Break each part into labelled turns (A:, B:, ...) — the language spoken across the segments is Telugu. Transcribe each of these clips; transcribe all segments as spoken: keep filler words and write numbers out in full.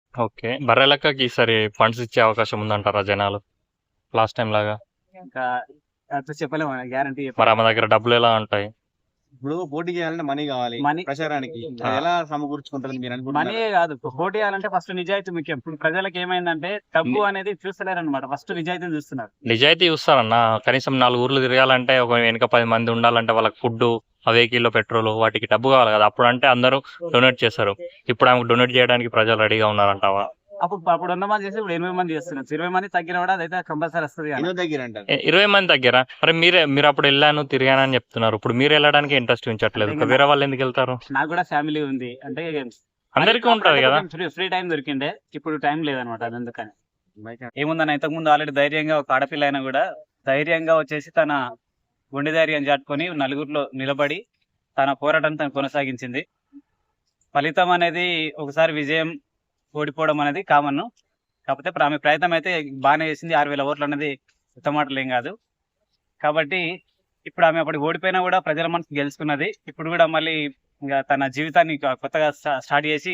A: ఓకే. బర్రెలక్కకి ఈసారి ఫండ్స్ ఇచ్చే అవకాశం ఉందంటారా జనాలు? లాస్ట్ టైమ్ లాగా?
B: ఇంకా అట్లా చెప్పలేము, గ్యారంటీ
A: మరి
B: చెప్పలేము.
A: ఆమె దగ్గర డబ్బులు ఎలా ఉంటాయి?
C: ఇప్పుడు పోటీ చేయాలంటే మనీ కావాలి
B: మనీ
C: ప్రచారానికి.
A: ఆ.
C: అది ఎలా సమకూర్చుకుంటారని మీరు
B: మనీ
C: అనుకుంటున్నారు?
B: కాదు, పోటీ చేయాలంటే ఫస్ట్ నిజాయితీ ముఖ్యం. ఇప్పుడు ప్రజలకు ఏమైందంటే డబ్బు
A: ని-
B: అనేది చూస్తలేరు అనమాట, ఫస్ట్ నిజాయితీని చూస్తున్నారు.
A: నిజాయితీ చూస్తారన్న. కనీసం నాలుగు ఊర్లు తిరగాలంటే ఒక వెనుక పది మంది ఉండాలంటే వాళ్ళకి ఫుడ్, ఆ వెహికల్లో పెట్రోల్, వాటికి డబ్బు కావాలి కదా. అప్పుడు అంటే అందరూ డొనేట్ చేస్తారు. ఇప్పుడు ఆమెకు డొనేట్ చేయడానికి ప్రజలు రెడీగా ఉన్నారంటావా?
B: అప్పుడు అప్పుడు వంద మంది చేసి ఇప్పుడు ఎనిమిది మంది చేస్తున్నారు. ఇరవై మంది తగ్గిన కూడా అదైతే కంపల్సరీ వస్తుంది కదా.
C: ఎన్నో దగ్గర అంటారు.
A: ఏ, ఇరవై మంది దగ్గర మరి మీరే మీరు అప్పుడు వెళ్ళాను తిరిగాను అని చెప్తున్నారు. ఇప్పుడు మీరు వెళ్ళడానికి ఇంట్రెస్ట్ చూపించట్లేదు.
B: అంటే
A: ఇంకా వేరే వాళ్ళు ఎందుకు వెళ్తారు?
B: నాకు కూడా ఫ్యామిలీ ఉంది అంటే
A: అందరికీ ఉంటది కదా.
B: ఫ్రీ ఫ్రీ టైం దొరికిండే, ఇప్పుడు టైం లేదనమాట. అది అందుకని ఏముందని ఇంతకు ముందు ఆల్రెడీ ధైర్యంగా ఒక ఆడపిల్ల అయినా కూడా ధైర్యంగా వచ్చేసి తన గుండె ధైర్యం చాటుకొని నలుగురిలో నిలబడి తన పోరాటం తను కొనసాగించింది. ఫలితం అనేది ఒకసారి విజయం ఓడిపోవడం అనేది కామన్. కాకపోతే ఇప్పుడు ఆమె ప్రయత్నం అయితే బాగానే చేసింది. ఆరు వేల ఓట్లు అనేది ఉత్తమాటలు ఏం కాదు. కాబట్టి ఇప్పుడు ఆమె అప్పటికి ఓడిపోయినా కూడా ప్రజల మనసు గెలుచుకున్నది. ఇప్పుడు కూడా మళ్ళీ ఇంకా తన జీవితాన్ని ఇంకా కొత్తగా స్టా- స్టార్ట్ చేసి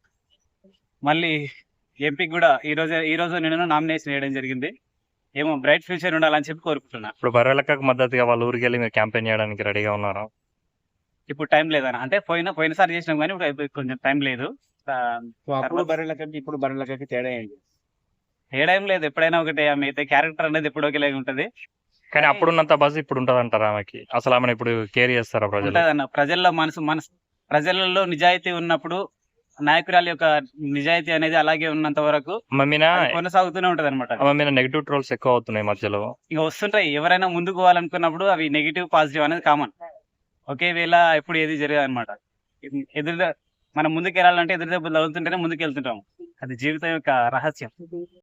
B: మళ్ళీ ఎంపీకి కూడా ఈ రోజు ఈ రోజు నేను నామినేషన్ వేయడం జరిగింది. ఏమో బ్రైట్ ఫ్యూచర్ ఉండాలని చెప్పి కోరుకుంటున్నా.
A: ఇప్పుడు బర్రెలక్కకు మద్దతుగా వాళ్ళ ఊరికి వెళ్ళి మీరు క్యాంపెయిన్ చేయడానికి రెడీగా ఉన్నారా?
B: ఇప్పుడు టైం లేదన్న, అంటే పోయిన పోయినసారి చేసినాం కానీ ఇప్పుడు అయిపోయి కొంచెం టైం లేదు. ఆ,
C: సో అప్పుడు బర్రెలకి ఇప్పుడు బర్రెలకి తేడా ఏంటి?
B: ఏడేం లేదు, ఎప్పుడైనా ఒకటి. ఆమె అయితే క్యారెక్టర్ అనేది ఎప్పుడు ఒకేలాగా ఉంటది.
A: కానీ అప్పుడున్నంత బజ్ ఇప్పుడు ఉంటుంది అంటారా ఆమెకి? అసలు ఆమెను ఇప్పుడు కేర్ చేస్తారా ప్రజలు?
B: ఉంటదన్న, ప్రజల్లో మనసు మనసు ప్రజలలో నిజాయితీ ఉన్నప్పుడు నాయకురాలి యొక్క నిజాయితీ అనేది అలాగే ఉన్నంత వరకు
A: ఆమె మీద
B: అది కొనసాగుతూనే ఉంటది అనమాట.
A: ఆమె మీద నెగిటివ్ ట్రోల్స్ ఎక్కువ అవుతున్నాయి మధ్యలో.
B: ఇక వస్తుంటాయి, ఎవరైనా ముందుకు పోవాలనుకున్నప్పుడు అవి నెగిటివ్ పాజిటివ్ అనేది కామన్. ఒకే వేళ ఎప్పుడు ఏది జరగదు అనమాట. ఎదురు మనం ముందుకు వెళ్ళాలంటే ఎదురు దెబ్బలు తగులుతుంటేనే ముందుకు వెళ్తుంటాం. అది జీవితం యొక్క రహస్యం.